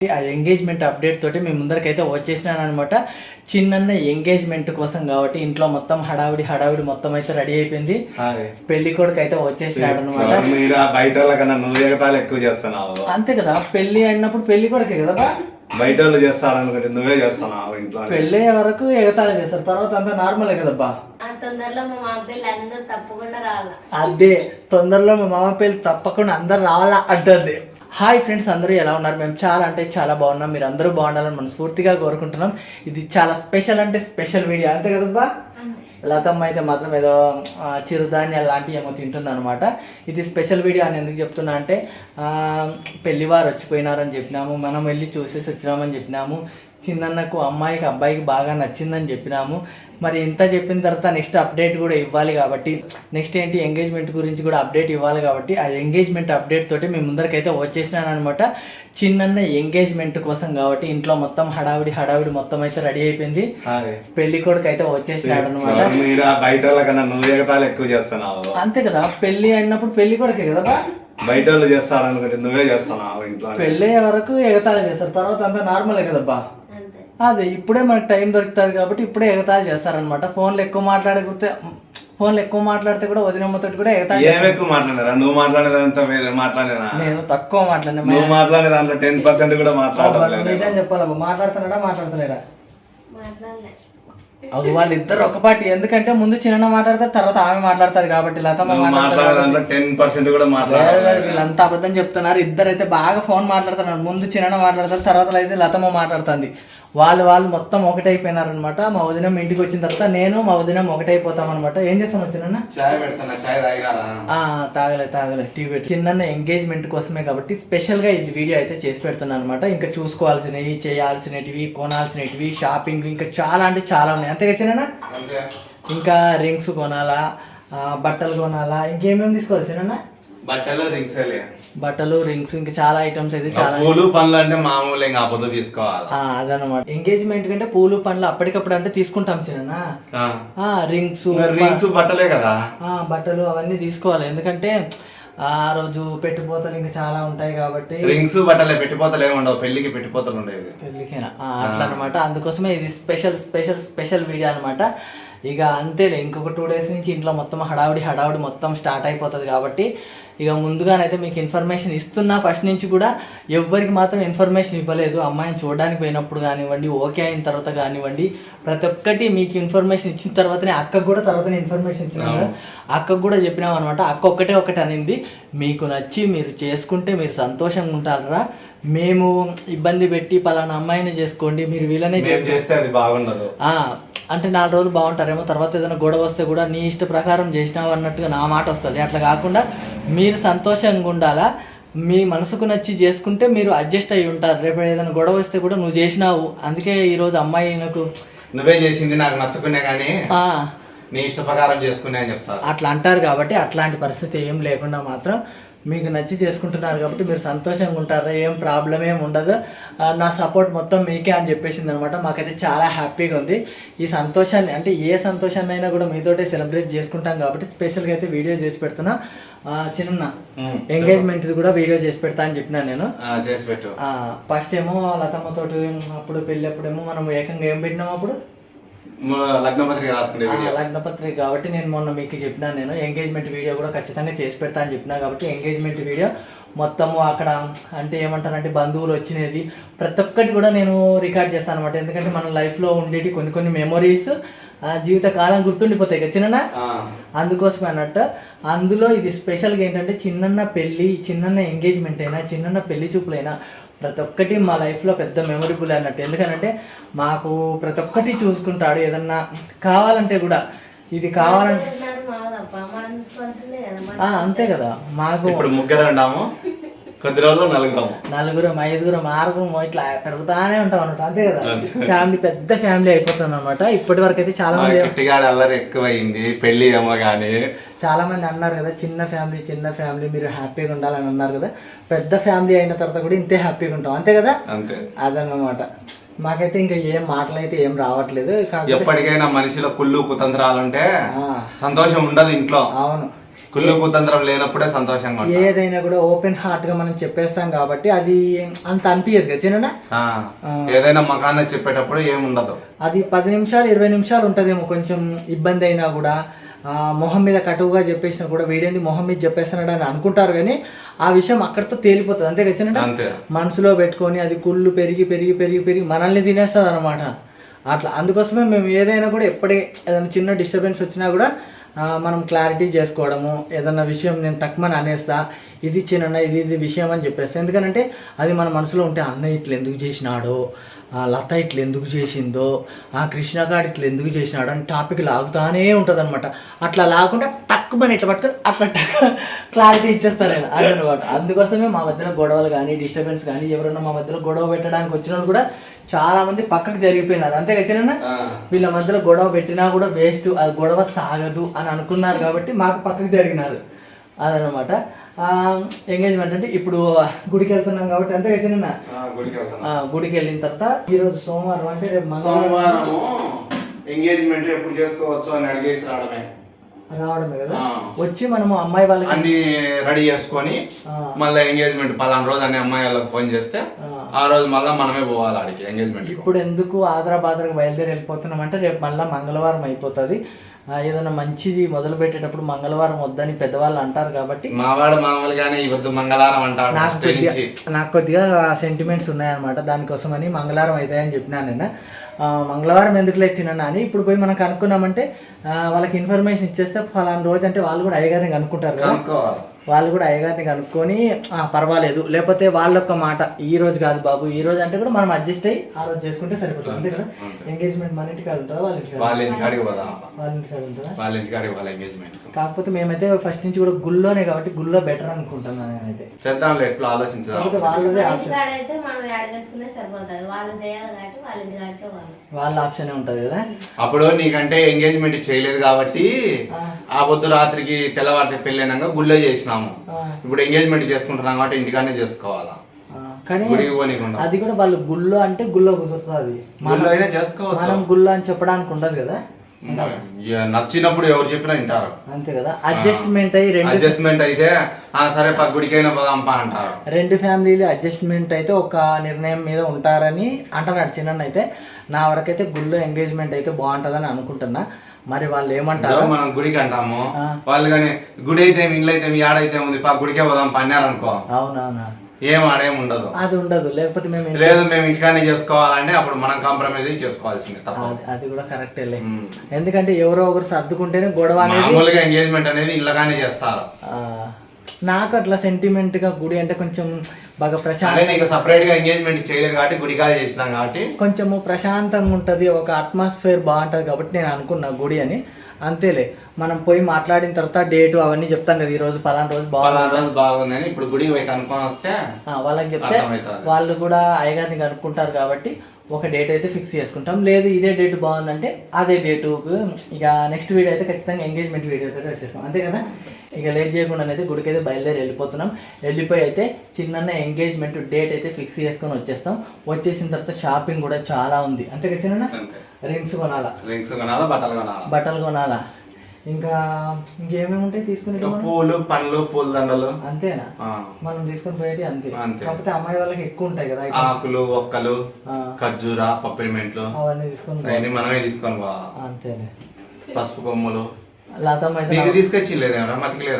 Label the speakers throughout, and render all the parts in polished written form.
Speaker 1: ఆ engagement update తోటి మేము ముందరికైతే వచ్చేసినాను అనమాట. చిన్న ఎంగేజ్మెంట్ కోసం కాబట్టి ఇంట్లో మొత్తం హడావిడి మొత్తం అయితే రెడీ అయిపోయింది. పెళ్లి కొడుకు అయితే వచ్చేసినాడు అనమాట.
Speaker 2: బయట వాళ్ళకన్నా నువ్వు ఎగతాలు ఎక్కువ చేస్తున్నావు.
Speaker 1: అంతే కదా, పెళ్లి అయినప్పుడు పెళ్లి కొడుకే కదా.
Speaker 2: బయట వాళ్ళు చేస్తారనుకుంటే నువ్వే చేస్తున్నావు. ఇంట్లో
Speaker 1: పెళ్లి వరకు ఎగతాళి చేస్తారు, తర్వాత అంతా నార్మలే కదబ్బా.
Speaker 3: తొందరలో మా మామ పెళ్ళి అందరు తప్పకుండా రావాలా.
Speaker 1: అదే తొందరలో మా మామ పెళ్లి తప్పకుండా అందరు రావాలా అంటుంది. హాయ్ ఫ్రెండ్స్, అందరూ ఎలా ఉన్నారు? మేము చాలా అంటే చాలా బాగున్నాం. మీరు అందరూ బాగుండాలని మనస్ఫూర్తిగా కోరుకుంటున్నాం. ఇది చాలా స్పెషల్ అంటే స్పెషల్ వీడియో, అంతే కదబ్బా. లతమ్మ అయితే మాత్రం ఏదో చిరుధాన్యాలు లాంటివి ఏమో తింటుంది అనమాట. ఇది స్పెషల్ వీడియో అని ఎందుకు చెప్తున్నా అంటే, పెళ్లివారు వచ్చిపోయినారని చెప్పినాము, మనం వెళ్ళి చూసేసి వచ్చినామని చెప్పినాము, చిన్నన్నకు అమ్మాయికి అబ్బాయికి బాగా నచ్చిందని చెప్పినాము. మరి ఇంత చెప్పిన తర్వాత నెక్స్ట్ అప్డేట్ కూడా ఇవ్వాలి కాబట్టి, నెక్స్ట్ ఏంటి ఎంగేజ్మెంట్ గురించి కూడా అప్డేట్ ఇవ్వాలి కాబట్టి, ఆ ఎంగేజ్మెంట్ అప్డేట్ తోటి మేము ముందరికైతే వచ్చేసినాను అనమాట. చిన్న ఎంగేజ్మెంట్ కోసం కాబట్టి ఇంట్లో మొత్తం హడావిడి మొత్తం అయితే రెడీ అయిపోయింది. పెళ్లి కొడుకు అయితే వచ్చేసినాడు అనమాట.
Speaker 2: బయట వాళ్ళకన్నా నువ్వు ఎగతాలు ఎక్కువ చేస్తున్నావు.
Speaker 1: అంతే కదా, పెళ్లి అయినప్పుడు పెళ్లి కొడుకే కదా.
Speaker 2: బయట వాళ్ళు చేస్తారనుకుంటే నువ్వే చేస్తున్నావు. ఇంట్లో
Speaker 1: పెళ్లి వరకు ఎగతాళి చేస్తారు, తర్వాత అంతా నార్మలే కదబ్బా. అదే ఇప్పుడే మనకు టైం దొరుకుతుంది కాబట్టి ఇప్పుడే ఎగతాళి చేస్తారనమాట. ఫోన్లు ఎక్కువ మాట్లాడితే కూడా వదినమ్మతో కూడా ఎగతాళి.
Speaker 2: ఎక్కువ మాట్లాడారా? నువ్వు మాట్లాడేదంతా వేరే మాట్లాడేనా?
Speaker 1: నేను తక్కువ మాట్లాడినా.
Speaker 2: నువ్వు మాట్లాడే దాంట్లో 10% కూడా మాట్లాడలేదు.
Speaker 1: నిజం చెప్పాలబ్బా, మాట్లాడుతున్నాడా? వాళ్ళిద్దరు ఒక పార్టీ. ఎందుకంటే ముందు చిన్న మాట్లాడతారు, తర్వాత ఆమె మాట్లాడతారు కాబట్టి. లతమ్మ వీళ్ళంతా అబద్ధం చెప్తున్నారు. ఇద్దరైతే బాగా ఫోన్ మాట్లాడుతున్నారు. ముందు చిన్న మాట్లాడతారు, తర్వాత అయితే లతమ్మ మాట్లాడుతుంది. వాళ్ళు మొత్తం ఒకటైపోయినారనమాట. మా వదినం ఇంటికి వచ్చిన తర్వాత నేను మా వదినం ఒకటైపోతాం అనమాట. ఏం చేస్తాం చిన్న? తాగలే టీ పెట్టి. చిన్న ఎంగేజ్మెంట్ కోసమే కాబట్టి స్పెషల్ గా ఇది వీడియో అయితే చేసి పెడుతున్నాను అనమాట. ఇంకా చూసుకోవాల్సినవి, చేయాల్సినవి, కొనాల్సినవి, షాపింగ్ ఇంకా చాలా అంటే చాలా ఉన్నాయి. అంతేగా చిన్న? ఇంకా రింగ్స్ కొనాలా, బట్టలు కొనాలా, ఇంకేమేమి తీసుకోవాలి చిన్న? బట్టలు రింగ్స్ ఇంకా చాలా ఐటమ్స్ అయితే చాలా.
Speaker 2: పూలు పండ్లు అంటే మామూలు ఇంకా పొద్దు తీసుకోవాలి.
Speaker 1: అదనమాట. ఎంగేజ్మెంట్ కంటే పూలు పండ్లు అప్పటికప్పుడు అంటే తీసుకుంటాం చిన్న. రింగ్స్
Speaker 2: బట్టలే కదా.
Speaker 1: బట్టలు అవన్నీ తీసుకోవాలి. ఎందుకంటే ఆ రోజు పెట్టిపోతలు ఇంకా చాలా ఉంటాయి కాబట్టి.
Speaker 2: రింగ్స్ బట్టలే, పెట్టిపోతలు ఏమి ఉండవు. పెళ్లికి పెట్టిపోతలు ఉండేది.
Speaker 1: పెళ్లికైనా అట్లా అనమాట. అందుకోసమే ఇది స్పెషల్ వీడియో అనమాట. ఇక అంతేలే, ఇంకొక 2 days నుంచి ఇంట్లో మొత్తం హడావుడి మొత్తం స్టార్ట్ అయిపోతుంది కాబట్టి ఇక ముందుగానైతే మీకు ఇన్ఫర్మేషన్ ఇస్తున్నా. ఫస్ట్ నుంచి కూడా ఎవ్వరికి మాత్రం ఇన్ఫర్మేషన్ ఇవ్వలేదు. అమ్మాయిని చూడడానికి పోయినప్పుడు కానివ్వండి, ఓకే అయిన తర్వాత కానివ్వండి, ప్రతి ఒక్కటి మీకు ఇన్ఫర్మేషన్ ఇచ్చిన తర్వాతనే అక్కకు కూడా తర్వాతనే ఇన్ఫర్మేషన్ ఇచ్చినాము. అక్కకు కూడా చెప్పినాం అనమాట. అక్క ఒకటి అనింది, మీకు నచ్చి మీరు చేసుకుంటే మీరు సంతోషంగా ఉంటారా, మేము ఇబ్బంది పెట్టి పలానా అమ్మాయిని చేసుకోండి, మీరు వీళ్ళనే
Speaker 2: చేస్తే అది బాగుండదు
Speaker 1: అంటే 4 రోజులు బాగుంటారేమో, తర్వాత ఏదైనా గొడవ వస్తే కూడా నీ ఇష్ట ప్రకారం చేసినావు అన్నట్టుగా నా మాట వస్తుంది. అట్లా కాకుండా మీరు సంతోషంగా ఉండాలా, మీ మనసుకు నచ్చి చేసుకుంటే మీరు అడ్జస్ట్ అయ్యి ఉంటారు. రేపు ఏదైనా గొడవ వస్తే కూడా నువ్వు చేసినావు, అందుకే ఈరోజు అమ్మాయి నాకు
Speaker 2: నువ్వే చేసింది, నాకు నచ్చుకునే కానీ నీ ఇష్ట ప్రకారం చేసుకునే అని చెప్తారు.
Speaker 1: అట్లా అంటారు కాబట్టి అట్లాంటి పరిస్థితి ఏం లేకుండా మాత్రం మీకు నచ్చి చేసుకుంటున్నారు కాబట్టి మీరు సంతోషంగా ఉంటారా, ఏం ప్రాబ్లం ఏమి ఉండదు, నా సపోర్ట్ మొత్తం మీకే అని చెప్పేసింది అనమాట. మాకైతే చాలా హ్యాపీగా ఉంది. ఈ సంతోషాన్ని అంటే ఏ సంతోషాన్ని అయినా కూడా మీతోటే సెలబ్రేట్ చేసుకుంటాం కాబట్టి స్పెషల్గా అయితే వీడియో చేసి పెడుతున్నా. చిన్న ఎంగేజ్మెంట్ కూడా వీడియో చేసి పెడతా అని చెప్పినా నేను. ఫస్ట్ ఏమో లతమ్మతోటి అప్పుడు పెళ్ళి అప్పుడేమో మనం ఏకంగా ఏం పెట్టినాము అప్పుడు లగ్నపత్రిక కాబట్టి నేను మొన్న మీకు చెప్పినా, నేను ఎంగేజ్మెంట్ వీడియో కూడా ఖచ్చితంగా చేసి పెడతా అని చెప్పినా కాబట్టి ఎంగేజ్మెంట్ వీడియో మొత్తము అక్కడ అంటే ఏమంటారంటే బంధువులు వచ్చినది ప్రతి ఒక్కటి కూడా నేను రికార్డ్ చేస్తాను అనమాట. ఎందుకంటే మన లైఫ్లో ఉండేటి కొన్ని మెమొరీస్ జీవితకాలం గుర్తుండిపోతాయి కదా చిన్న. అందుకోసమే అన్నట్టు అందులో ఇది స్పెషల్గా ఏంటంటే చిన్న ఎంగేజ్మెంట్ అయినా చిన్న పెళ్లి చూపులైనా ప్రతి ఒక్కటి మా లైఫ్లో పెద్ద మెమొరబుల్ అన్నట్టు. ఎందుకనంటే మాకు ప్రతి ఒక్కటి చూసుకుంటాడు. ఏదన్నా కావాలంటే కూడా ఇది కావాలంటే అంతే కదా. మాకు
Speaker 2: ఇప్పుడు 3 ఉన్నాము, కొద్ది రోజులు
Speaker 1: 4, 5, 6 ఇట్లా పెరుగుతానే ఉంటాం అనమాట. అంతే కదా, ఫ్యామిలీ పెద్ద ఫ్యామిలీ అయిపోతుంది అనమాట. ఇప్పటి వరకు అయితే చాలా మంది
Speaker 2: అల్లరి ఎక్కువైంది పెళ్లి ఏమో కానీ
Speaker 1: చాలా మంది అన్నారు కదా, చిన్న ఫ్యామిలీ మీరు హ్యాపీగా ఉండాలని అన్నారు కదా. పెద్ద ఫ్యామిలీ అయిన తర్వాత కూడా ఇంతే హ్యాపీగా ఉంటాం, అంతే కదా. అదన్నమాట. మాకైతే ఇంకా ఏం మాటలు అయితే ఏం రావట్లేదు.
Speaker 2: ఎప్పటికైనా మనిషిలో కుళ్ళు కుతంత్రాలుంటే సంతోషం ఉండదు ఇంట్లో.
Speaker 1: అవును,
Speaker 2: కుళ్ళు కుతంత్రం లేనప్పుడే సంతోషంగా ఉంటాం.
Speaker 1: ఏదైనా కూడా ఓపెన్ హార్ట్ గా మనం చెప్పేస్తాం కాబట్టి అది అంత అనిపించదు కదా చిన్న.
Speaker 2: ఏదైనా మకాన్న చెప్పేటప్పుడు ఏముండదు.
Speaker 1: అది 10 నిమిషాలు 20 నిమిషాలు ఉంటదేమో కొంచెం ఇబ్బంది అయినా కూడా, మొహం మీద కటువుగా చెప్పేసినా కూడా వీడేంది మొహం మీద చెప్పేస్తున్నాడు అని అనుకుంటారు, కానీ ఆ విషయం అక్కడితో తేలిపోతుంది. అంతే కదా చిన్న. మనసులో పెట్టుకొని అది కుళ్ళు పెరిగి పెరిగి పెరిగి పెరిగి మనల్ని తినేస్తుంది అనమాట. అట్లా అందుకోసమే మేము ఏదైనా కూడా ఏదైనా చిన్న డిస్టర్బెన్స్ వచ్చినా కూడా మనం క్లారిటీ చేసుకోవడము. ఏదన్నా విషయం నేను టక్మని అనేస్తా, ఇది చిన్న ఇది విషయం అని చెప్పేస్తా. ఎందుకంటే అది మన మనసులో ఉంటే అన్నయ్య ఇట్లా ఎందుకు చేసినాడో, లత ఇట్లా ఎందుకు చేసిందో, కృష్ణగాడు ఇట్లా ఎందుకు చేసినాడో అని టాపిక్ లాగుతానే ఉంటుంది అనమాట. అట్లా లాగకుండా టక్మని ఇట్లా పట్టుకొని అట్లా క్లారిటీ ఇచ్చేస్తారు ఆయన అదనమాట. అందుకోసమే మా మధ్యలో గొడవలు కానీ డిస్టర్బెన్స్ కానీ ఎవరైనా మా మధ్యలో గొడవ పెట్టడానికి వచ్చిన వాళ్ళు కూడా చాలా మంది పక్కకు జరిగిపోయినారు. అంతే కదా, వీళ్ళ మధ్యలో గొడవ పెట్టినా కూడా వేస్ట్, అది గొడవ సాగదు అని అనుకున్నారు కాబట్టి మాకు పక్కకు జరిగినారు అదనమాట. ఎంగేజ్మెంట్ అంటే ఇప్పుడు గుడికి వెళ్తున్నాం కాబట్టి అంతే కదా, గుడికి వెళ్ళిన తర్వాత ఈరోజు సోమవారం అంటే రేపు
Speaker 2: మంగళవారం ఎంగేజ్మెంట్ ఎప్పుడు చేసుకోవచ్చు అని అడిగేసి
Speaker 1: రావడమే కదా. వచ్చి మనము అమ్మాయి వాళ్ళకి
Speaker 2: అన్ని రెడీ చేసుకొని మళ్ళీ ఎంగేజ్మెంట్ పలానా రోజు అన్ని అమ్మాయి వాళ్ళకి ఫోన్ చేస్తే ఆ రోజు మళ్ళీ మనమే పోవాలి ఆడికి ఎంగేజ్మెంట్.
Speaker 1: ఇప్పుడు ఎందుకు ఆదరాబాద్రకు బయలుదేరి వెళ్ళిపోతున్నాం అంటే రేపు మళ్ళీ మంగళవారం అయిపోతుంది. ఏదైనా మంచిది మొదలు పెట్టేటప్పుడు మంగళవారం వద్దని పెద్దవాళ్ళు అంటారు కాబట్టి
Speaker 2: మావాడు మామూలుగానే ఇవద్దు మంగళవారం అంటారు.
Speaker 1: నాకు కొద్దిగా సెంటిమెంట్స్ ఉన్నాయన్నమాట, దానికోసమని మంగళవారం అవుతాయని చెప్పినాను నేను. మంగళవారం ఎందుకు లేచినా అని ఇప్పుడు పోయి మనం కనుక్కున్నామంటే వాళ్ళకి ఇన్ఫర్మేషన్ ఇచ్చేస్తే ఫలానా రోజు అంటే వాళ్ళు కూడా అయ్యగారిని కనుక్కుంటారు కదా, వాళ్ళు కూడా అయ్యగారిని కనుక్కొని పర్వాలేదు, లేకపోతే వాళ్ళొక్క మాట ఈ రోజు కాదు బాబు ఈ రోజు అంటే కూడా మనం అడ్జస్ట్ అయ్యి ఆ రోజు చేసుకుంటే సరిపోతుంది. అంతే కదా. ఎంగేజ్మెంట్ మన ఇంటికాడ ఉంటుందా వాళ్ళ ఇంటికాడికి ఉంటుందా?
Speaker 2: వాళ్ళ ఇంటికాడికి వాళ్ళ ఎంగేజ్మెంట్.
Speaker 1: కాకపోతే మేమైతే ఫస్ట్ నుంచి కూడా గుళ్ళోనే కాబట్టి గుళ్ళో బెటర్ అనుకుంటున్నాను నేనైతే.
Speaker 2: చేద్దాంలే ఎట్లా ఆలోచించదాం.
Speaker 1: వాళ్ళదే వాళ్ళ ఆప్షన్ ఉంటది కదా.
Speaker 2: అప్పుడు నీకంటే ఎంగేజ్మెంట్ చేయలేదు కాబట్టి ఆ పొద్దు రాత్రికి తెల్లవారికి పెళ్ళైనాక గుళ్ళో చేసినాము. ఇప్పుడు ఎంగేజ్మెంట్ చేసుకుంటున్నాం కాబట్టి ఇంటికానే చేసుకోవాలా.
Speaker 1: కానీ అది కూడా వాళ్ళు గుళ్ళో అంటే గుళ్ళో కుదురుతుంది, మనం గుళ్ళో అని చెప్పడానికి ఉండదు కదా.
Speaker 2: నచ్చినప్పుడు ఎవరు చెప్పినా వింటారు.
Speaker 1: అంతే కదా. అడ్జస్ట్మెంట్
Speaker 2: అయితే సరే గుడికైనా పోదాంపా అంటారు.
Speaker 1: రెండు ఫ్యామిలీలు అడ్జస్ట్మెంట్ అయితే ఒక నిర్ణయం మీద ఉంటారని అంటున్నాడు చిన్న. అయితే నా వరకైతే గుళ్ళో ఎంగేజ్మెంట్ అయితే బాగుంటుందని అనుకుంటున్నా. మరి వాళ్ళు ఏమంటారు?
Speaker 2: మనం గుడికి అంటాము, వాళ్ళు కానీ గుడి అయితే ఇల్లు అయితే ఆడైతే ఉంది గుడికే పోదాం అన్నారనుకో,
Speaker 1: అవునవునా
Speaker 2: ఏం ఆడేం ఉండదు,
Speaker 1: అది ఉండదు. లేకపోతే
Speaker 2: మేము ఇంటికానే చేసుకోవాలంటే అప్పుడు మనం కాంప్రమైజ్ చేసుకోవాల్సిందే.
Speaker 1: అది కూడా కరెక్టే. ఎందుకంటే ఎవరో ఒకరు సర్దుకుంటేనే గొడవ అనేది.
Speaker 2: మామూలుగా ఎంగేజ్మెంట్ అనేది ఇళ్ళగానే చేస్తారు.
Speaker 1: నాకు అట్లా సెంటిమెంట్ గా గుడి అంటే కొంచెం బాగా ప్రశాంతంగా,
Speaker 2: సపరేట్ గా ఎంగేజ్మెంట్ చేయలేదు కాబట్టి గుడికాడే చేసినాం కాబట్టి
Speaker 1: కొంచెము ప్రశాంతంగా ఉంటది, ఒక అట్మాస్ఫియర్ బాగుంటది కాబట్టి నేను అనుకున్నా గుడి అని. అంతేలే, మనం పోయి మాట్లాడిన తర్వాత డేటు అవన్నీ చెప్తాం కదా, ఈ రోజు పలానా రోజు
Speaker 2: బాగుందని ఇప్పుడు గుడి పోయి కనుక్కొని వస్తే
Speaker 1: వాళ్ళకి చెప్తే వాళ్ళు కూడా అయ్యగారిని కనుక్కుంటారు కాబట్టి ఒక డేట్ అయితే ఫిక్స్ చేసుకుంటాం. లేదు ఇదే డేట్ బాగుందంటే అదే డేటుకు ఇక నెక్స్ట్ వీడియో అయితే ఖచ్చితంగా ఎంగేజ్మెంట్ వీడియో అయితే వచ్చేస్తాం. అంతే కదా. ఇక లేట్ చేయకుండా అయితే గుడికి అయితే బయలుదేరి వెళ్ళిపోతున్నాం. వెళ్ళిపోయి అయితే చిన్న ఎంగేజ్మెంట్ డేట్ అయితే ఫిక్స్ చేసుకొని వచ్చేస్తాం. వచ్చేసిన తర్వాత షాపింగ్ కూడా చాలా ఉంది. అంతే కదా చిన్న. రింగ్స్ కొనాలా, బట్టలు కొనాలా, ఇంకా ఇంకేమేమి ఉంటాయి తీసుకుని,
Speaker 2: పూలు పండ్లు పూల దండలు.
Speaker 1: అంతేనా మనం తీసుకొని పోయేటి? అంతే. కాకపోతే అమ్మాయి వాళ్ళకి ఎక్కువ ఉంటాయి కదా,
Speaker 2: ఆకులు ఒక్కలు ఖర్జూర పప్పిమెంట్లు
Speaker 1: అవన్నీ తీసుకొని
Speaker 2: మనమే తీసుకొని పోవాలి.
Speaker 1: అంతేలే.
Speaker 2: పసుపు కొమ్ములు
Speaker 1: లతమ్మ అయితే
Speaker 2: తీసుకొచ్చి లేదా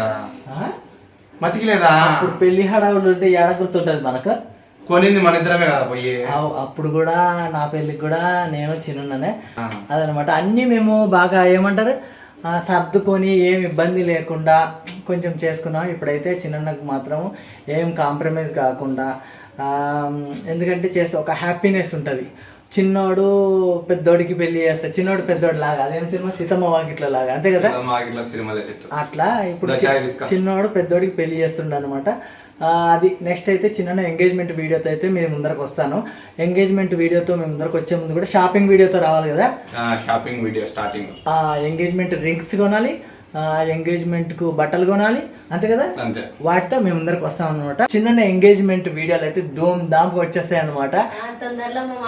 Speaker 2: మతికిలేదా
Speaker 1: ఇప్పుడు పెళ్లి హడావుడు ఉంటే ఏడ గుర్తుంటది మనకు.
Speaker 2: కొనింది మన ఇద్దరమే కదా పోయి.
Speaker 1: అప్పుడు కూడా నా పెళ్ళికి కూడా నేను చిన్ననే అదనమాట. అన్నీ మేము బాగా ఏమంటారు సర్దుకొని ఏం ఇబ్బంది లేకుండా కొంచెం చేసుకున్నాం. ఇప్పుడైతే చిన్నకు మాత్రం ఏం కాంప్రమైజ్ కాకుండా, ఎందుకంటే చేస్తే ఒక హ్యాపీనెస్ ఉంటుంది. చిన్నోడు పెద్దోడికి పెళ్లి చేస్తాడు, చిన్నోడు పెద్దోడు లాగా, అదేం సినిమా సీతమ్మ వాకిట్ల లాగా. అంతే కదా. అట్లా ఇప్పుడు చిన్నోడు పెద్దోడికి పెళ్లి చేస్తుండ అనమాట. అది నెక్స్ట్ అయితే చిన్న ఎంగేజ్మెంట్ వీడియోతో అయితే మేము ముందరకు వస్తాను. ఎంగేజ్మెంట్ వీడియోతో మేము ముందరకు వచ్చే ముందు కూడా షాపింగ్ వీడియోతో రావాలి కదా.
Speaker 2: Shopping video starting
Speaker 1: engagement rings కొనాలి, ఎంగేజ్మెంట్ కు బట్టలు కొనాలి. అంతే కదా. వాటితో మేము ముందరకు వస్తాం అనమాట. చిన్న ఎంగేజ్మెంట్ వీడియోలు అయితే ధూమ్ ధామ్ వచ్చేస్తాయి అనమాట.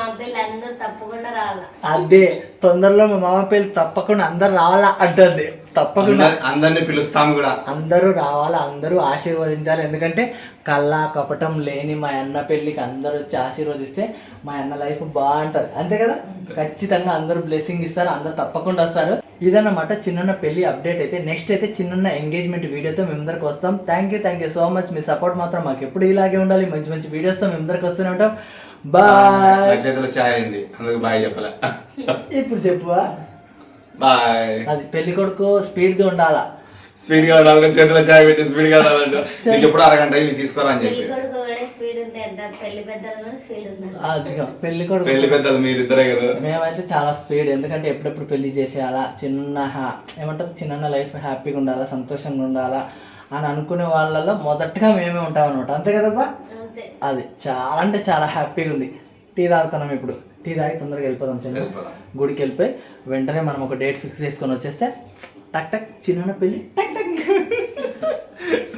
Speaker 1: అదే తొందరలో మా మామ పెళ్ళి తప్పకుండా అందరు రావాలా అంటుంది. తప్పకుండా
Speaker 2: అందరిని పిలుస్తాం కూడా.
Speaker 1: అందరూ రావాలా, అందరూ ఆశీర్వదించాలి. ఎందుకంటే కళ్ళ కపటం లేని మా అన్న పెళ్ళికి అందరూ వచ్చి ఆశీర్వదిస్తే మా అన్న లైఫ్ బాగుంటుంది. అంతే కదా, ఖచ్చితంగా అందరూ బ్లెస్సింగ్ ఇస్తారు, అందరూ తప్పకుండా వస్తారు. ఇదన్నమాట చిన్న పెళ్లి అప్డేట్. అయితే నెక్స్ట్ అయితే చిన్న ఎంగేజ్మెంట్ వీడియోతో మేము అందరికి వస్తాం. Thank you so much. మీ సపోర్ట్ మాత్రం మాకు ఎప్పుడు ఇలాగే ఉండాలి. మంచి మంచి వీడియోస్తో మేము అందరికి వస్తూనే ఉంటాం. బాయ్.
Speaker 2: నా చేతిలో చాయ్ అయింది, అందుకు బాయ్ చెప్పలే.
Speaker 1: ఇప్పుడు చెప్పువా,
Speaker 2: బాయ్.
Speaker 1: అది పెళ్లి కొడుకు స్పీడ్గా ఉండాలా,
Speaker 2: స్పీడ్ గా ఉండాలి, చేతిలో చాయ్ పెట్టి స్పీడ్ గా ఉండాలంటే నీకు ఎప్పుడు అరగంట అయింది తీసుకోరా అని
Speaker 3: పెళ్లి
Speaker 2: చెప్పి.
Speaker 3: కొడుకు కూడా స్పీడ్ ఉంటాయి అంటారు, పెళ్లి పెద్దలు కూడా స్పీడ్ ఉన్నారు.
Speaker 1: అదిగో పెళ్లి కొడుకు.
Speaker 2: పెళ్లి పెద్దలు మీరిద్దరే కదా.
Speaker 1: మేమైతే చాలా స్పీడ్, ఎందుకంటే ఎప్పుడెప్పుడు పెళ్లి చేసేయాలా, ఏమంటారు చిన్న లైఫ్ హ్యాపీగా ఉండాలా, సంతోషంగా ఉండాలా అని అనుకునే వాళ్ళలో మొదటగా మేమే ఉంటాం అనమాట. అంతే కదబ్బా,
Speaker 3: అంతే.
Speaker 1: అది చాలా అంటే చాలా హ్యాపీగా ఉంది. టీ తాగుతున్నాం ఇప్పుడు, టీ తాగి తొందరగా వెళ్ళిపోదాం. చిన్న గుడికి వెళ్ళిపోయి వెంటనే మనం ఒక డేట్ ఫిక్స్ చేసుకొని వచ్చేస్తే టక్ టక్ చిన్న పెళ్ళి టక్ టక్.